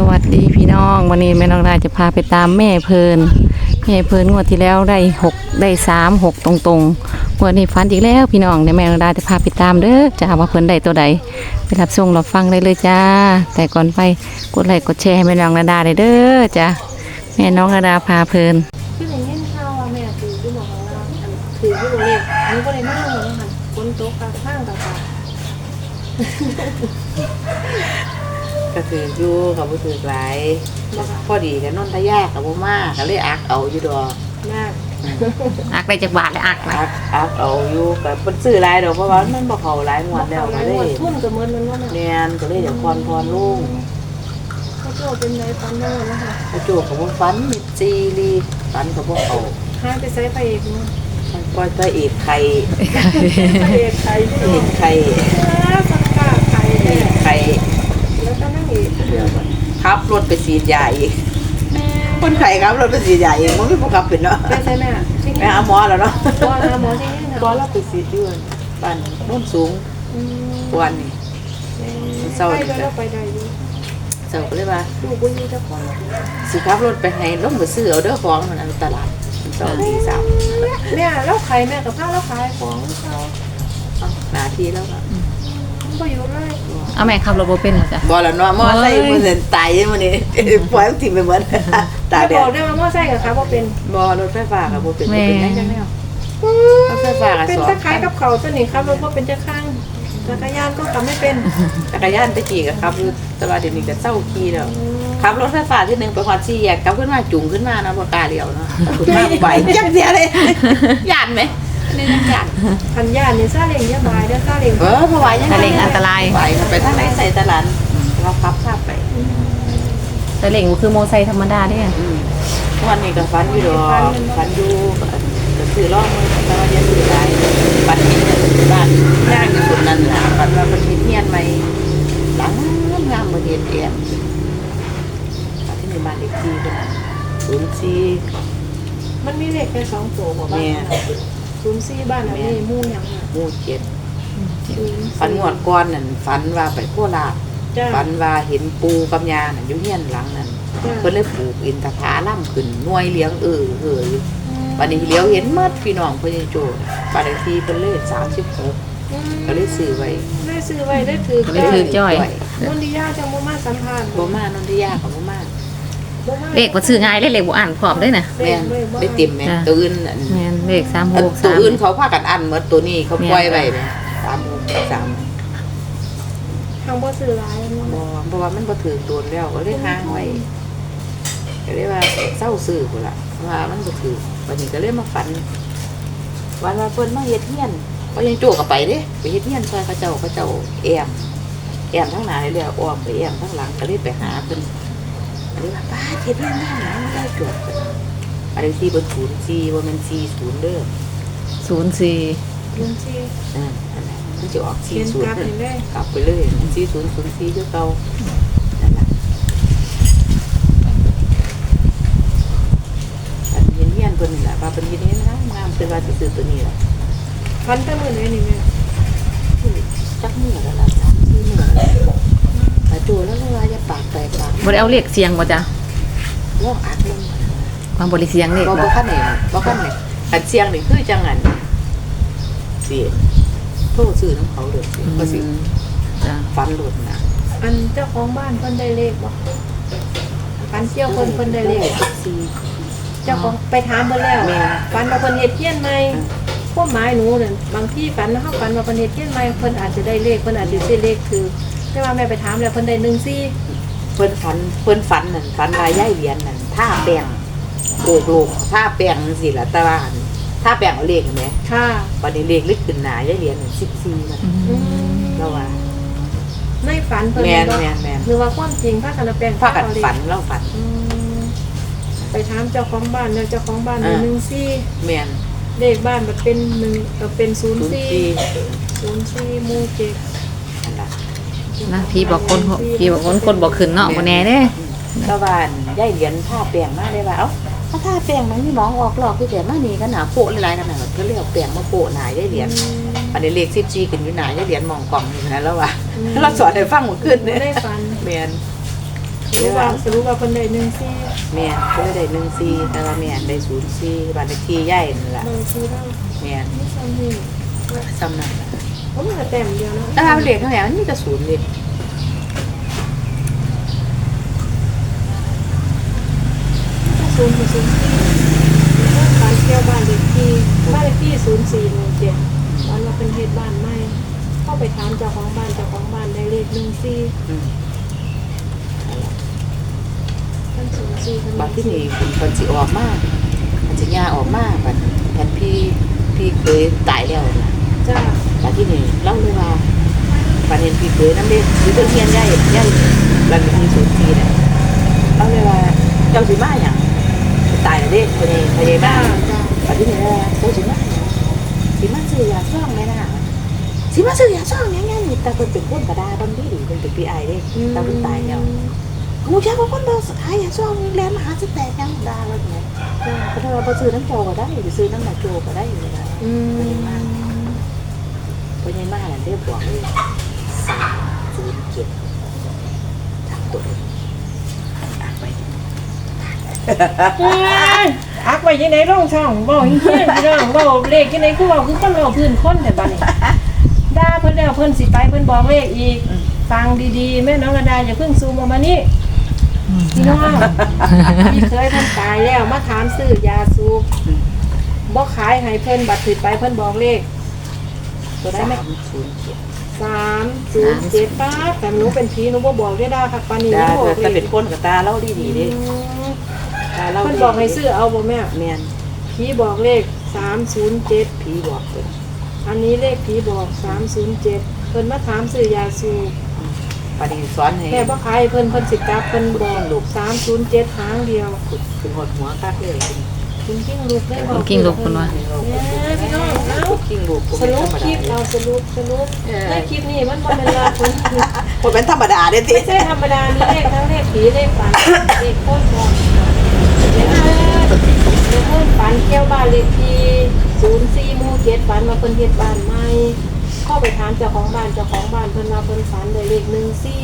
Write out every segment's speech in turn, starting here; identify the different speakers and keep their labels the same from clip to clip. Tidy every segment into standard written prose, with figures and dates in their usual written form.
Speaker 1: วัสดีพี่น้องวันนี้แม่น้องดาจะพาไปตามแม่เพลินงวดที่แล้วได้6 ตรงงวดนี้ฝันอีกแล้วพี่น้องเดี๋ยวแม่น้องดาจะพาไปตามเด้อจะว่าเพิ่นได้ตัวใดไปรับชมรับฟังได้เลยจ้าแต่ก่อนไปกดไลค์กดแชร์ให้แม่น้องดาได้เด้อจ้าแม่น้องดาพาเพลิน
Speaker 2: คืออย่างเงี้ยข้าวว่าแม่ถือที่บอกว่าถือที่โรงเรียนนี่ก็เลยไม่รู้เลยค่ะคนโต๊ะข้างต่าง
Speaker 3: ก็คืออยู่กับผู้ถือหลายพอดีกันนนทยากับบ่มากก็เลยอักเอาอยู่ดอก
Speaker 2: มาก
Speaker 1: อักได้จากบาทเลยอัก
Speaker 3: เอาอยู่กับเพิ่นซื้อหลายดอกเพราะว่ามันบ่เข้าหลายงวดแล้วก็เลย
Speaker 2: ทุ่นกับเงินมันว่า
Speaker 3: แม่นก็เลยอยากพรลุง
Speaker 2: เขาโจ้เป็นไรฟันโน่นะคะ
Speaker 3: เขาโจกับบ่ฟันมิดซีรีฟันกับบ่เข้า
Speaker 2: ห้าไปใช้ไฟเอกมั้ง
Speaker 3: มันปล่อยตัวเอกไข่
Speaker 2: เอกไข่สังกาไข่แล้วก็นั่งอีกเดียว
Speaker 3: ขับรถไปฉีดยาอีกคนไข้ครับรถไปฉีดยาเองมันไม่พอขับเป็นเนาะ
Speaker 2: ไปใช่ไหม
Speaker 3: ไปหาหมอแล้วเนาะ
Speaker 2: หมอใช่ไหม
Speaker 3: หมอเราไปฉีดเดือนบ้านโน่นสูงวันนี้เศร้า
Speaker 2: ไปได้ด้วย
Speaker 3: เศร้าก็เลยว่า
Speaker 2: ดูบุญยี่เจ้าของ
Speaker 3: สิขับรถไปให้ล้มไปซื้อเอาเด้อของมันอันตลาดเศร้าที่สาม
Speaker 2: เนี่ยแล้วใครแม่กับข้าวแล้วขายของเขา
Speaker 3: หน้าที่แล้ว
Speaker 2: ก็อยู่เลย
Speaker 1: เอาแม่ขับรถบ่เป็นเหรอจ๊ะ
Speaker 3: บ่แล้วเนาะมอไซค์มันสิตายมื้อนี้ปล่อยมันทิ้งไปหมด
Speaker 2: ตายแดดบอกได้ว่ามอไซค์กับครับบ่เป็น
Speaker 3: บ่รถไฟฟ้าก็บ่เป็นจังแนวรถไฟฟ้าก็
Speaker 2: เป็นตะไคร้กับเขาตัวนี้ครับรถบ่เป็นจักข้างจักรยานก็ขับไม่เป็น
Speaker 3: จักรยานตะกี้ก็ขับอยู่แต่ว่าเดี๋ยวนี้ก็เซาขี่แล้วขับรถไฟฟ้าที่นึงไปฮอด4แยกกลับขึ้นมาจุ่มขึ้นมานะบ่กล้าเลี้ยวเนาะขึ้นมาไปจังเสียเลยย่านมั้ยนี่จังย่าน
Speaker 2: คันย่านนี่ซาเล้งอย่าบายเด้อซาเล้ง
Speaker 3: เพราะว่ายัง
Speaker 1: ซาเล้งอันตราย
Speaker 3: ไปทางไหนใส่ตลาดเราขับข้ามไป
Speaker 1: ซาเล้งคือมอไซค์ธรรมดาเด้
Speaker 3: วันนี้ก็ฟันอยู่ดอกฟันอยู่ก็คือร้องมือแต่ว่ายังอยู่ได้ฟันเห็นในบ้านย่างที่สุดนั่นแหละฟันว่ามันมีเทียนไหมหลังงามมาเห็นแอมที่ในบ้านเด็กที่กัน04
Speaker 2: มันมีเลขแค่2ตัวบ่บ้าน04บ้านอันนี้มู่หยัง
Speaker 3: หมู่7ฟันงวดก่อนนั่นฟันว่าไปโคราชฟันว่าเห็นปูกับยาน่ะอยู่เฮียนหลังนั่นเพิ่นเลยปลูกอินทผลัมขึ้นหน่วยเลี้ยงอยู่วันนี้เลี้ยวเห็นหมดพี่น้องเพิ่นโจบ้านเลขที่เพิ่นเลข36ก็เลยซื้อไว้
Speaker 2: ได้ถือ
Speaker 1: จ้อย
Speaker 2: นนทิยาจังบ่มาสัมภาษณ์
Speaker 3: บ่มานนทิยาก็บ่มา
Speaker 1: เลขบ่ซื้อง่ายเลขบ่อ่านพร้อมเด้น่ะ
Speaker 3: แม่นได้เต็มแม่ตัวอื่น
Speaker 1: แม่นเลข363
Speaker 3: ตัวอื่นเขาพากันอันหมดตัวนี้เขาปล่อยไว้แม่363
Speaker 2: ทางบ่ซื้อหลาย
Speaker 3: เพราะว่ามันบ่ถือตัวแล้วก็เลยห่างไว้ก็เลยว่าเศร้าซื้อพุ่นล่ะว่ามันบ่ถือวันนี้ก็เลยมาฝันวันว่าเพิ่นมาเฮ็ดเฮียนก็ยังโจกไปเด้ไปเฮ็ดเฮียนซอยเขาเจ้าแอมทั้งหน้าเลยแล้วอ้อมไปแอมทั้งหลังก็เลยไปหาเพิ่นก็เลยว่าป้าเฮ็ดเฮียนหยังได้จบอันนี้ที่เบิ่น04บ่แม่น40เด้อ
Speaker 1: 04
Speaker 3: อันนั้นมันจะออก40กลับไปเลย4004คือเก่านั่นล่ะอันเฮียนเพิ่นนี่ล่ะว่าเพิ่นเฮ็ดเฮียนงามเพิ่นว่าสิซื้อตัวนี้ล่ะ
Speaker 2: ฟันแต่มื้อไหนนี่แม่
Speaker 3: จักมื้อแล้วล่ะ3-4มื้อแล้วโจแล้วว่าอย่าปากแตกปาก
Speaker 1: บ่ได้เอาเลขเสียงบ่จ๊ะ
Speaker 3: ลองอัดลง
Speaker 1: ความบ่ได้เสียงเลข
Speaker 3: บ่คันนี่คันเสียงนี่คือจังงั้นสิโทรซื้อน้ำเขาเลยก็สิฟันหลุดนะ
Speaker 2: อันเจ้าของบ้านเพิ่นได้เลขบ่ฟันเที่ยวเพิ่นได้เลขเจ้าของไปถามเพิ่นแล้วฟันว่าเพิ่นเฮ็ดเฮียนใหม่ความหมายหนูนั่นบางที่ฝันเฮาฝันว่าเพิ่นเฮ็ดเฮียนใหม่เพิ่นอาจจะได้เลขเพิ่นอาจจะซื้อเลขคือแต่ว่าแม่ไปถามแล้วเพิ่นได้14
Speaker 3: เพิ่นฝันนั่นฝันว่าย้ายเหรียญนั่นท่าแป้งโกกท่าแป้งจังซี่ล่ะแต่ว่าถ้าแบ่งเอาเลขเห็นไหม
Speaker 2: ค่ะ
Speaker 3: วันนี้เลขลึกขึ้นหนาได้เหรียญ14มันแล้วว่า
Speaker 2: ไม่ฝันเพิ่น
Speaker 3: แม่น
Speaker 2: หรือว่าความจริงพากันแปลง
Speaker 3: พากันฝันเราฝัน
Speaker 2: ไปถามเจ้าของบ้านแล้วเจ้าของบ้าน14
Speaker 3: แม่น
Speaker 2: เลขบ้านมันเป็น1ก็เป็น04หมู่7
Speaker 3: นั่นล่ะ
Speaker 1: นะพี่บอกคนบอกขึ้นเนาะบ่แน่เด้
Speaker 3: ตะวันย้ายเหรียญท่าแป้งมาได้ว่าเอ้าถ้าแป้งมันมีหมองออกหลอกคือแต่มานี่ก็หนาโปะหลายๆขนาดก็เรียกแป้งมาโปะหนาได้เหรียญอันนี้เลข14ขึ้นอยู่หนาได้เหรียญมองกล่องอยู่นะแล้วว่าเราสอนให้ฟังหมดขึ้น
Speaker 2: ได้ฟัน
Speaker 3: แม่น
Speaker 2: สรุปว่าเพิ่นได้14
Speaker 3: แม่นก็เลยได้14แต่ว่าแม่นได้04บ้านเลขที่ใหญ่นั่นล่ะ
Speaker 2: บางทีเรา
Speaker 3: แม่น
Speaker 2: ไม่ซ้ำนี่
Speaker 3: ซ้ำนั่นล่ะ
Speaker 2: ผมก็แต้มเดียวนะ
Speaker 3: แต่ว่าเลขเท่าไหร่มันมีแต่0เลย
Speaker 2: ศูนย์ที่บ้านเที่ยวบ้านเลขที่0417ตอนว่าเป็นเฮ็ดบ้านใหม่เข้าไปถามเจ้าของบ้านได้เลข14
Speaker 3: อืม
Speaker 2: ท่าน04ท่าน
Speaker 3: บัดที่นี่คนสิออกมามันสิย่าออกมาบัดพี่เคยตายแล้วนะ
Speaker 2: จ้า
Speaker 3: บัดที่นี่เล่าเลยว่าบัดเห็นพี่เคยน้ำเด็กหรือเฮียนใหญ่บัดมี04น่ะเล่าเลยว่าเจ้าสิมาหยังตายแล้วเด้พญามาบัดที่นี่เจ้าสิมาหยังสิมาซื้อยาซ่องแม่น่ะสิมาซื้อยาซ่องหยังนี่แต่เพิ่นเป็นคนกระดาบางทีเพิ่นเป็น PI เด้แต่เพิ่นตายแล้วกูเชื่อว่าคนเดินสายยาซ่องแลนมาหาสิแตกยังดาว่าไงเพราะว่าบ่ซื้อน้ำโจก็ได้ไปซื้อน้ำหนักโจก็ได้เลยนะ พญามาน่ะเรียกบอกเลย307ทางตัวเลยอ่านไป
Speaker 2: อักไว้ยังไงร่องช่องเว้าเฮี้ยพี่น้องเว้าเลขยังไงคือเว้าคือคนเว้าพื้นคนแต่บัดนี้ด่าเพิ่นแล้วเพิ่นสิไปเพิ่นบอกเลขอีกฟังดีๆแม่น้องระดาอย่าเพิ่งซูมออกมานี่พี่น้องพี่เคยเพิ่นตายแล้วมาถามซื้อยาสูบบ่ขายให้เพิ่นบัดสิไปเพิ่นบอกเลขตัวได้ไหม 307ป้าแต่หนูเป็นผีหนูบ่บอกได้ด่าค่ะปานนี้
Speaker 3: ได้
Speaker 2: บ่บอกเล
Speaker 3: แต่
Speaker 2: ข
Speaker 3: เป็นคนกับตาเล่าดีๆดิตาเล่า
Speaker 2: เพิ่นบอกให้ซื้อเอาบ่แม่
Speaker 3: แม่น
Speaker 2: ผีบอกเลข307
Speaker 3: ผีบอกเลย
Speaker 2: อันนี้เลขผีบอก307เพิ่นมาถามซื้อยาสูบ
Speaker 3: ปาดีสอนให้
Speaker 2: แม่บ่ขายให้เพิ่นสิกลับเพิ่นบอกลูก307หางเดียว
Speaker 3: เป็นหดหัวคักเลย
Speaker 2: คุณกิ้งลูกได้บอก
Speaker 1: กิ้งลูกเพิ่นว่า
Speaker 2: เนี่ยพี่น้องเอ้า
Speaker 3: กิ้งลูก
Speaker 2: สรุปคลิปเราสรุปในคลิปนี้มันบ่เป็นลาคน
Speaker 3: คนเป็นธรรมดาเด้ติ
Speaker 2: ไม่ใช่ธรรมดามีเลขทั้งเลขผีเลขฝันเลขโคตรบอกเลขโคตรฝันเที่ยวบ้านเลขที่04หมู่7ฝันว่าเพิ่นเฮ็ดบ้านใหม่เข้าไปถามเจ้าของบ้านเพิ่นว่าเพิ่นฝันได้เลข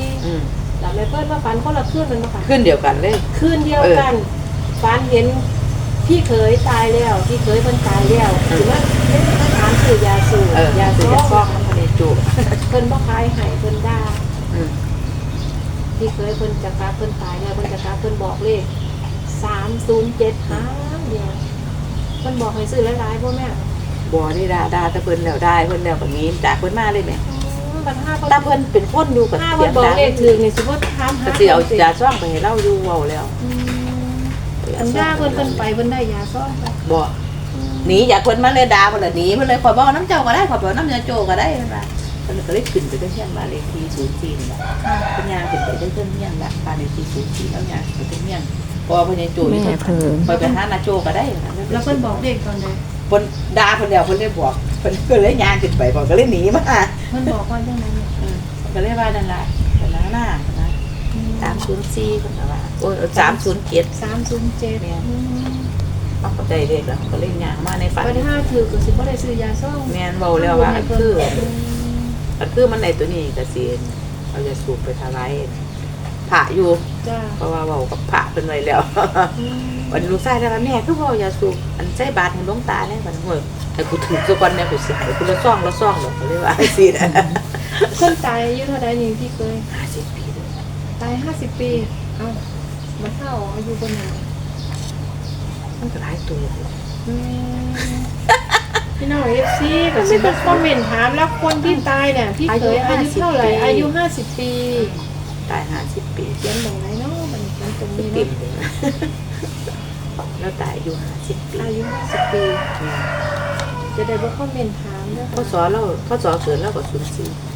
Speaker 2: 14แล้วแม่เพิ่นว่าฝันคนละคืนมันบ่ค่ะ
Speaker 3: ขึ้นเดียวกันเลย
Speaker 2: คืนเดียวกันฝันเห็นพี่เคยตายแล้วพี่เคยเพิ่นตายแล้วถือว่าถามซื้อยาสูบยา
Speaker 3: คื
Speaker 2: สู
Speaker 3: อบ จะฟ้อง
Speaker 2: เ
Speaker 3: น้ำทะเลจู
Speaker 2: พิ่นบ่ขายให้เพิ่นด่า
Speaker 3: อืม
Speaker 2: พี่เคยเพิ่นจะกลับเพิ่นตายแล้วเพิ่นจะกลับเพิ่นบอกเลข307หางเดียวเพิ่นบอกให้ซื้อหลายๆบ่แม่
Speaker 3: บ่นี่ด่าแต่เพิ่นแล้วได้เพิ่นแล้วแบบนี้จากเพิ่นมาเลยแม่
Speaker 2: บัด5
Speaker 3: แต่เพิ่นเป็นคนอยู่กับ
Speaker 2: เพิ่นบอกเลขถึงนี่สิบ่ถามหา
Speaker 3: ก็สิเอายาซ่องไปให้เราอยู่เว้าแล้ว
Speaker 2: อันด่าเพิ่นไปเพิ่นได้ยาซ่องไป
Speaker 3: บ่หนีจากเพิ่นมาเลยด่าเพิ่นละหนีเพิ่นเลยขอยบอกน้ำเจ้าก็ได้ขอยบอกน้ำยาโจก็ได้เพิ่นว่าเพิ่นก็เลยขึ้นไปได้เฮียนบ้านเลขที่04นี่ล่ะเพิ่นย่างขึ้นไปได้เพิ่นเฮียนละบ้านเลขที่04แล้วย่างไปเฮียนเพราะว่าเพิ่นยาโจอยู่
Speaker 1: แม่เพิ่น
Speaker 3: ไปไปหานาโจก็ได้
Speaker 2: แล้วเพิ่นบอกเลขตอนใด
Speaker 3: เพิ่นด่าเพิ่นแล้วเพิ่นเลยบอกเพิ่นก็เลยย่างขึ้นไปเพิ่นก็เลยหนีมา
Speaker 2: เพิ่นบอกว่าจังไดเนี่ย
Speaker 3: เพิ่นก็เลยว่านั่นล่ะเพิ่นหน้านะ304เพิ่นว่าโอ้ย307
Speaker 2: 307
Speaker 3: เอาเข้าใจเลขแล้วก็เล่นยางมาในฝัน
Speaker 2: บัด5ถือก็สิบ่ได้ซื้อยาซ่อง
Speaker 3: แม่นเบาแล้วว่าอันคือมันในตัวนี้กระเซียนเราจะสูบไปทลายผ่าอยู่
Speaker 2: จ้า
Speaker 3: เพราะว่าเบากับผ่าเป็นไว้แล้ว วันลูกชายแล้วแม่คือเบาอย่าสูบอันใช้บาทให้หลวงตาเนี่ยมันห่วยแต่กูถือสักวันเนี่ยกูเสียกูละซ่องหรอกเขาเรียกว่าไอ้สินะ
Speaker 2: เพิ่นตายอายุเท่าใดนี่พี่เคย
Speaker 3: 50 ปีเลย
Speaker 2: ตาย50 ปีเอ้ามันเท่าอายุบ่นาน
Speaker 3: มันก็หลายตัว
Speaker 2: พี่น้อง FC ก็สิมาคอมเมนต์ถามแล้วคนที่ตายเนี่ยพี่เคยอายุเท่าไหร่อายุ50 ปี
Speaker 3: ตาย50 ปี
Speaker 2: เขียนตรงไหนเนาะมันเขียนตรงนี้
Speaker 3: ติ่
Speaker 2: เนาะ
Speaker 3: มเลยแล้วตายอายุ50 ปี
Speaker 2: อายุ50 ปีจะได้บ่คอมเมนต์ถามเด้อ
Speaker 3: พ่อสอนเราพ่อสอนเกิดแล้วก็04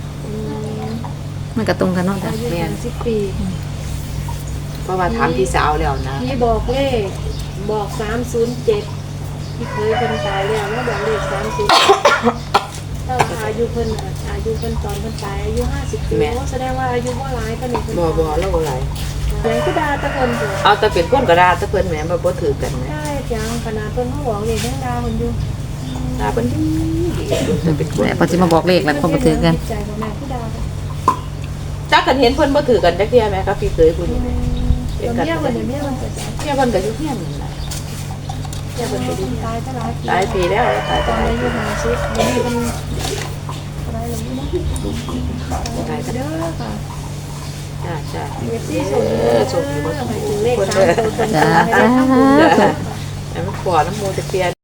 Speaker 1: มันก็ตรงกันเนาะ
Speaker 2: อายุ50 ปี
Speaker 3: เพราะว่าถามพี่สาวแล้วนะ
Speaker 2: พี่บอกเลขบอก307พี่เคยเพิ่นตายแล้วแล้วบอกเลข307ถ้าว่าอายุเพิ่นน่ะอายุเพิ่นตอนเพิ่นตายอายุ50 ปีโอ้แสดงว่าอายุบ่หลายปานนี้เพิ่น
Speaker 3: บ่แล้วอะไร
Speaker 2: ไหนก็ด่าแตะเพิ่นอยู่
Speaker 3: เอาแต่เป็นคนกระดาแต่เพิ่นแหมบ่ถือกันแหม
Speaker 2: ได้จังขนาดเพิ่นเฮาบอกเลขยังด่าเพิ่นอยู่
Speaker 3: ตาเพิ่นดีแต่เป็นคน
Speaker 1: แม่พอสิมาบอกเลขแล้วคนบ่ถือกัน
Speaker 2: ใจของแม่ผู้ด่า
Speaker 3: จักกันเห็นเพิ่นบ่ถือกันจักเที่ยแม่ครับพี่เคยพูดนี่แหมเฮ็ด
Speaker 2: เมี
Speaker 3: กัน
Speaker 2: ยวันนี้เมียวันเกิด
Speaker 3: เมียเพิ่นก็อยู่เฮียนนั่นน่ะเมียเพิ่นก็อยู่
Speaker 2: ตายจะหลายปี
Speaker 3: หลายปีแล้วตาย
Speaker 2: ต
Speaker 3: ต
Speaker 2: อน
Speaker 3: าย
Speaker 2: อายุ50วันนี้มันอะไรหรือไม่
Speaker 3: ตายกัน
Speaker 2: เด้อค่ะ
Speaker 3: จ้าจ้า
Speaker 2: เอฟซีส่ง
Speaker 3: ส่งอยู่บ่
Speaker 2: ห
Speaker 3: ส่
Speaker 2: มาย
Speaker 3: ง
Speaker 2: ถึงเลข3ตัวตรง
Speaker 1: จ้า
Speaker 2: ๆให้ได้
Speaker 1: สาธุ
Speaker 3: แต่มันขวน้ำมูจะเปลี่ยน